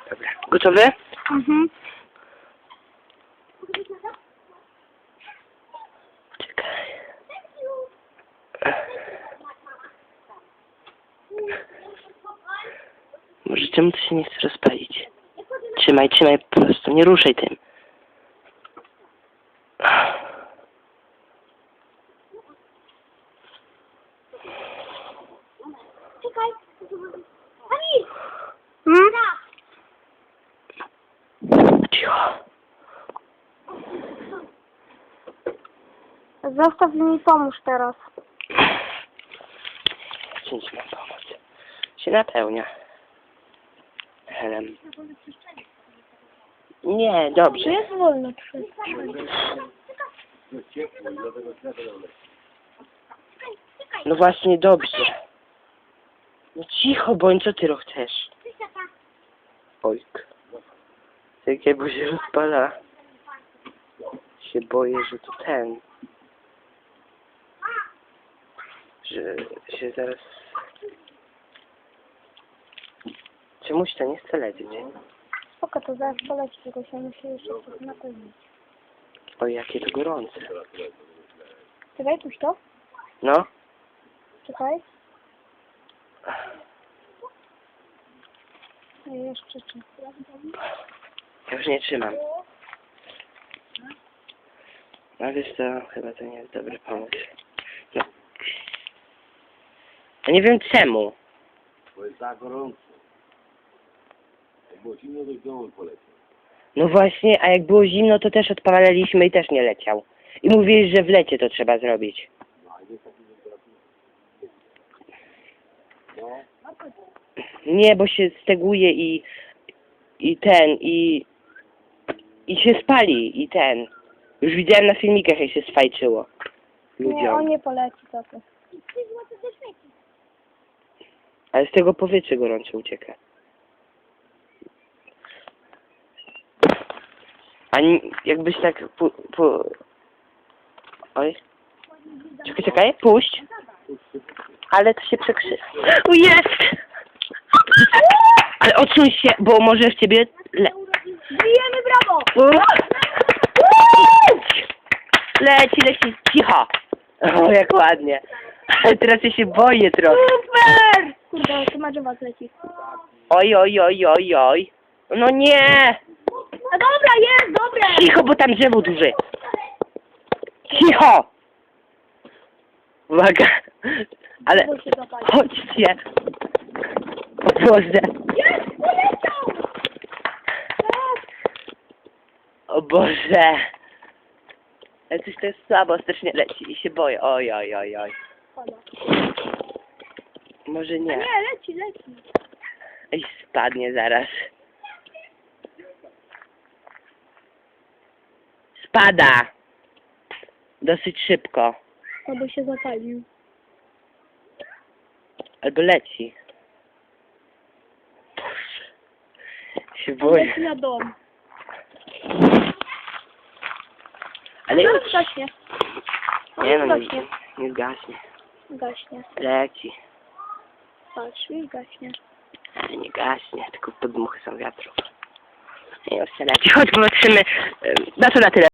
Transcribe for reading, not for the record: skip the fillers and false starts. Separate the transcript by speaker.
Speaker 1: Dobra. Gotowy?
Speaker 2: Mhm.
Speaker 1: Czekaj. Może czemu to się nie chce rozpalić? Trzymaj, trzymaj po prostu, nie ruszaj tym.
Speaker 2: Czekaj. Ani! Hmm?
Speaker 1: Cicho.
Speaker 2: Zostaw mi, pomóż teraz.
Speaker 1: Czymś mam pomóc. Się napełnia. Helem. Nie, dobrze.
Speaker 2: Jest wolno przestrzeń.
Speaker 1: No właśnie, dobrze. No cicho bądź, co ty chcesz? Ojk. Jakie, bo się rozpala. Się boję, że to ten. Że się zaraz... Czemuś to nie chce lecieć.
Speaker 2: Spoko, to zaraz poleci, tylko się musi jeszcze coś napełnić.
Speaker 1: Oj, jakie to gorące.
Speaker 2: Czekaj, puść to.
Speaker 1: No.
Speaker 2: Czekaj. Jeszcze czy.
Speaker 1: Ja już nie trzymam. No wiesz co, chyba to nie jest dobry pomysł. No. Ja nie wiem czemu.
Speaker 3: Bo jest tak gorąco. Jak było zimno, to w domu poleciał.
Speaker 1: No właśnie, a jak było zimno, to też odpalaliśmy i też nie leciał. I mówili, że w lecie to trzeba zrobić.
Speaker 3: No, a jest taki temperatura. No,
Speaker 1: Nie, bo się steguje i się spali i ten. Już widziałem na filmikach, jak się sfajczyło
Speaker 2: Nie, on
Speaker 1: ludziom.
Speaker 2: nie poleci, co ty.
Speaker 1: Ale z tego powietrze gorące ucieka. Jakbyś tak Oj. Czekaj, czekaj, puść. Ale to się przekrzy... O, jest! Ale odsuń się, bo może w ciebie...
Speaker 2: Bijemy, brawo!
Speaker 1: Leci, leci, cicho. O, jak ładnie. Ale teraz ja się boję trochę.
Speaker 2: Super! Kurde, to ma was leci.
Speaker 1: Oj, oj, oj, oj, oj. No nie!
Speaker 2: A dobra, jest, dobre!
Speaker 1: Cicho, bo tam drzewo duże. Cicho! Uwaga. Ale...
Speaker 2: Bo się zapali.
Speaker 1: Chodźcie. O Boże.
Speaker 2: Jest! Poleciał! Tak!
Speaker 1: O Boże. Ale coś to jest słabo, strasznie leci i się boję. Oj, oj, oj, oj.
Speaker 2: Pada.
Speaker 1: Może
Speaker 2: A
Speaker 1: nie.
Speaker 2: nie, leci, leci.
Speaker 1: Ej, spadnie zaraz. Spada. Dosyć szybko.
Speaker 2: Albo się zapalił.
Speaker 1: Albo leci. Boże. Się
Speaker 2: On
Speaker 1: boję.
Speaker 2: leci na dom.
Speaker 1: Ale
Speaker 2: Zaraz gaśnie.
Speaker 1: nie no,
Speaker 2: Gaśnie.
Speaker 1: nie zgaśnie.
Speaker 2: Gaśnie.
Speaker 1: Leci.
Speaker 2: Patrz, już gaśnie.
Speaker 1: Ale nie gaśnie, tylko podmuchy są wiatru. Nie, leci. Chodź, popatrzymy. Na to na tyle.